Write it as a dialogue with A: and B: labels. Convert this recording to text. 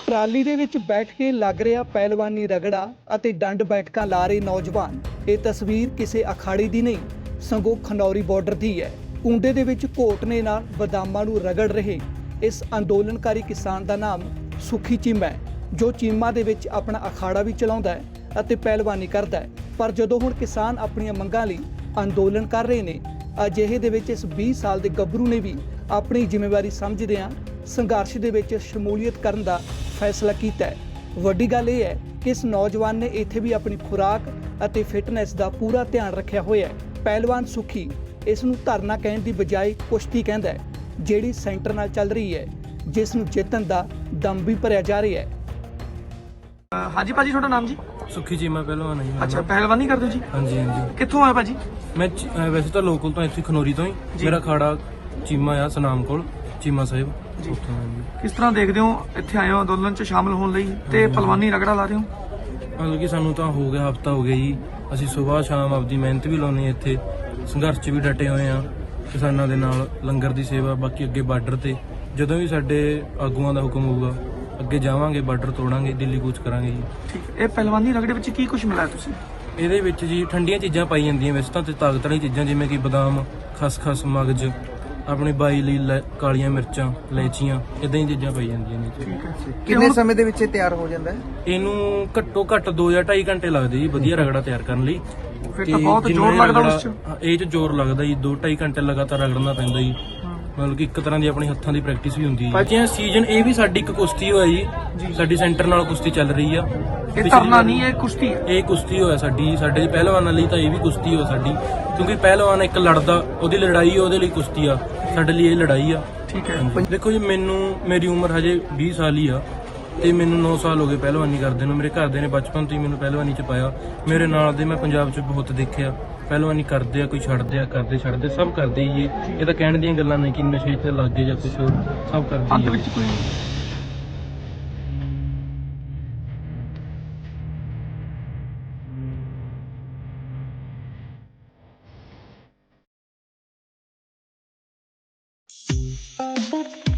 A: Trolley ਦੇ ਵਿੱਚ ਬੈਠ ਕੇ ਲੱਗ ਰਿਹਾ ਪਹਿਲਵਾਨੀ ਰਗੜਾ ਅਤੇ ਡੰਡ ਬੈਠਕਾਂ ਲਾ ਰਹੇ ਨੌਜਵਾਨ। ਇਹ ਤਸਵੀਰ ਕਿਸੇ ਅਖਾੜੇ ਦੀ ਨਹੀਂ ਸਗੋਂ ਖਨੌਰੀ ਬਾਰਡਰ ਦੀ ਹੈ। ਕੁੰਡੇ ਦੇ ਵਿੱਚ ਘੋਟਨੇ ਨਾਲ ਬਦਾਮਾਂ ਨੂੰ ਰਗੜ ਰਹੇ ਇਸ ਅੰਦੋਲਨਕਾਰੀ ਕਿਸਾਨ ਦਾ ਨਾਮ ਸੁਖੀ ਚੀਮਾ ਹੈ, ਜੋ ਚੀਮਾ ਦੇ ਵਿੱਚ ਆਪਣਾ ਅਖਾੜਾ ਵੀ ਚਲਾਉਂਦਾ ਹੈ ਅਤੇ ਪਹਿਲਵਾਨੀ ਕਰਦਾ ਹੈ। ਪਰ ਜਦੋਂ ਹੁਣ ਕਿਸਾਨ ਆਪਣੀਆਂ ਮੰਗਾਂ ਲਈ ਅੰਦੋਲਨ ਕਰ ਰਹੇ ਨੇ, ਅਜਿਹੇ ਦੇ ਵਿੱਚ ਇਸ 20 ਸਾਲ ਦੇ ਗੱਭਰੂ ਨੇ ਵੀ ਆਪਣੀ ਜ਼ਿੰਮੇਵਾਰੀ ਸਮਝਦਿਆਂ ਸੰਘਰਸ਼ ਦੇ ਵਿੱਚ ਸ਼ਮੂਲੀਅਤ ਕਰਨ ਦਾ ਫੈਸਲਾ ਕੀਤਾ ਹੈ। ਵੱਡੀ ਗੱਲ ਇਹ ਹੈ ਕਿ ਇਸ ਨੌਜਵਾਨ ਨੇ ਇੱਥੇ ਵੀ ਆਪਣੀ ਖੁਰਾਕ ਅਤੇ ਫਿਟਨੈਸ ਦਾ ਪੂਰਾ ਧਿਆਨ ਰੱਖਿਆ ਹੋਇਆ ਹੈ। ਪਹਿਲਵਾਨ ਸੁਖੀ ਇਸ ਨੂੰ ਧਰਨਾ ਕਹਿਣ ਦੀ ਬਜਾਏ ਕੁਸ਼ਤੀ ਕਹਿੰਦਾ ਹੈ, ਜਿਹੜੀ ਸੈਂਟਰ ਨਾਲ ਚੱਲ ਰਹੀ ਹੈ, ਜਿਸ ਨੂੰ ਜਿੱਤਣ ਦਾ ਦਮ ਵੀ ਭਰਿਆ ਜਾ ਰਿਹਾ ਹੈ।
B: ਹਾਂਜੀ ਭਾਜੀ, ਤੁਹਾਡਾ ਨਾਮ ਜੀ?
C: ਸੁਖੀ ਚੀਮਾ ਪਹਿਲਵਾਨ ਹੈ ਜੀ।
B: ਅੱਛਾ, ਪਹਿਲਵਾਨੀ ਕਰਦੇ ਹੋ ਜੀ?
C: ਹਾਂਜੀ ਹਾਂਜੀ।
B: ਕਿੱਥੋਂ ਆਏ ਭਾਜੀ?
C: ਮੈਂ ਵੈਸੇ ਤਾਂ ਲੋਕਲ ਤੋਂ ਇੱਥੇ ਖਨੌਰੀ ਤੋਂ ਹੀ। ਮੇਰਾ ਖਾੜਾ ਚੀਮਾ ਆ ਸਨਾਮ ਕੋਲ, ਚੀਮਾ ਸਾਹਿਬ
B: ਜੀ।
C: ਉੱਥੋਂ ਆ ਜੀ।
B: ਕਿਸ ਤਰ੍ਹਾਂ ਦੇਖਦੇ ਹੋ ਇੱਥੇ ਆਏ ਹੋ ਅੰਦੋਲਨ 'ਚ ਸ਼ਾਮਲ ਹੋਣ ਲਈ ਤੇ ਪਹਿਲਵਾਨੀ ਰਗੜਾ ਲਾ ਰਹੇ ਹੋ?
C: ਮਤਲਬ ਕਿ ਸਾਨੂੰ ਤਾਂ ਹੋ ਗਿਆ ਹਫਤਾ ਹੋ ਗਿਆ ਜੀ। ਅਸੀਂ ਸਵੇਰ ਸ਼ਾਮ ਆਪਦੀ ਮਿਹਨਤ ਵੀ ਲਾਉਣੀ ਹੈ, ਇੱਥੇ ਸੰਘਰਸ਼ 'ਚ ਵੀ ਡਟੇ ਹੋਏ ਆ ਕਿਸਾਨਾਂ ਦੇ ਨਾਲ, ਲੰਗਰ ਦੀ ਸੇਵਾ, ਬਾਕੀ ਅੱਗੇ ਬਾਰਡਰ ਤੇ ਜਦੋਂ ਵੀ ਸਾਡੇ ਆਗੂਆਂ ਦਾ ਹੁਕਮ ਹੋਊਗਾ ਅੱਗੇ ਜਾਵਾਂਗੇ, ਬਾਰਡਰ ਤੋੜਾਂਗੇ, ਦਿੱਲੀ ਕੂਚ ਕਰਾਂਗੇ ਜੀ।
B: ਠੀਕ। ਇਹ ਪਹਿਲਵਾਨੀ ਰਗੜੇ ਵਿੱਚ ਕੀ ਕੁਝ ਮਿਲਾਇਆ ਤੁਸੀਂ?
C: ਇਹਦੇ ਵਿੱਚ ਜੀ ਠੰਡੀਆਂ ਚੀਜ਼ਾਂ ਪਾਈ ਜਾਂਦੀਆਂ ਵੈਸੇ ਤਾਂ, ਤੇ ਤਾਕਤ ਵਾਲੀਆਂ ਚੀਜ਼ਾਂ ਜਿਵੇਂ ਕਿ ਬਦਾਮ, ਖਸਖਸ, ਮਗਜ਼, ਆਪਣੀ ਬਾਈ ਲਈ ਕਾਲੀਆਂ ਮਿਰਚਾਂ, ਇਲਾਇਚੀਆਂ, ਇਦਾਂ ਹੀ ਚੀਜ਼ਾਂ ਪਾਈ ਜਾਂਦੀਆਂ ਨੇ।
B: ਠੀਕ ਹੈ।
D: ਕਿੰਨੇ ਸਮੇਂ ਦੇ ਵਿੱਚ ਇਹ ਤਿਆਰ ਹੋ ਜਾਂਦਾ ਹੈ?
C: ਇਹਨੂੰ ਘੱਟੋ ਘੱਟ 2 ਜਾਂ 2.5 ਘੰਟੇ ਲੱਗਦੇ ਜੀ ਵਧੀਆ ਰਗੜਾ ਤਿਆਰ ਕਰਨ ਲਈ।
B: ਫਿਰ ਤਾਂ ਬਹੁਤ ਜ਼ੋਰ ਲੱਗਦਾ ਉਸ 'ਚ।
C: ਇਹ 'ਚ ਜ਼ੋਰ ਲੱਗਦਾ ਜੀ, 2-2.5 ਘੰਟੇ ਲਗਾਤਾਰ ਰਗੜਨਾ ਪੈਂਦਾ ਜੀ। ਮਤਲਬ ਕਿ ਇੱਕ ਤਰ੍ਹਾਂ ਦੀ ਆਪਣੀ ਹੱਥਾਂ ਦੀ ਪ੍ਰੈਕਟਿਸ ਵੀ ਹੁੰਦੀ ਹੈ ਜੀ। ਸੀਜ਼ਨ ਇਹ ਵੀ ਸਾਡੀ ਇੱਕ ਕੁਸ਼ਤੀ ਹੋਇਆ ਜੀ, ਸਾਡੀ ਸੈਂਟਰ ਨਾਲ ਕੁਸ਼ਤੀ ਚੱਲ ਰਹੀ ਆ।
B: ਇਹ ਧਰਨਾ ਨਹੀਂ, ਇਹ ਕੁਸ਼ਤੀ ਹੈ।
C: ਇਹ ਕੁਸ਼ਤੀ ਹੋਇਆ ਸਾਡੀ, ਸਾਡੇ ਪਹਿਲਵਾਨਾਂ ਲਈ ਤਾਂ ਇਹ ਵੀ ਕੁਸ਼ਤੀ ਹੋਇਆ ਸਾਡੀ, ਕਿਉਂਕਿ ਪਹਿਲਵਾਨ ਇੱਕ ਲੜਦਾ, ਉਹਦੀ ਲੜਾਈ ਉਹਦੇ ਲਈ ਕੁਸ਼ਤੀ ਆ, ਸਾਡੇ ਲਈ ਇਹ ਲੜਾਈ ਆ।
B: ਠੀਕ ਹੈ।
C: ਦੇਖੋ ਜੀ, ਮੇਰੀ ਉਮਰ ਹਜੇ 20 ਸਾਲ ਹੀ ਆ ਤੇ ਮੈਨੂੰ 9 ਸਾਲ ਹੋ ਗਏ ਪਹਿਲਵਾਨੀ ਕਰਦੇ ਨੂੰ। ਮੇਰੇ ਘਰਦੇ ਨੇ ਬਚਪਨ ਤੋਂ ਹੀ ਮੈਨੂੰ ਪਹਿਲਵਾਨੀ ਚ ਪਾਇਆ। ਮੇਰੇ ਨਾਲ ਦੇ ਮੈਂ ਪੰਜਾਬ ਚ ਬਹੁਤ ਦੇਖਿਆ ਪਹਿਲਵਾਨੀ ਕਰਦੇ ਆ, ਕੋਈ ਛੱਡਦੇ ਆ, ਕਰਦੇ ਛੱਡਦੇ, ਸਭ ਕਰਦੇ ਹੀ ਇਹ ਤਾਂ ਕਹਿਣ ਦੀਆਂ ਗੱਲਾਂ ਨਹੀਂ ਕਿ ਨਸ਼ੇ ਤੇ ਲੱਗ ਗਏ ਜਾਂ ਕੁਝ ਹੋਰ, ਸਭ ਕਰਦੇ
B: ਅੰਤ
C: ਹੀ
B: ਵਿੱਚ ਕੋਈ
E: Thank you.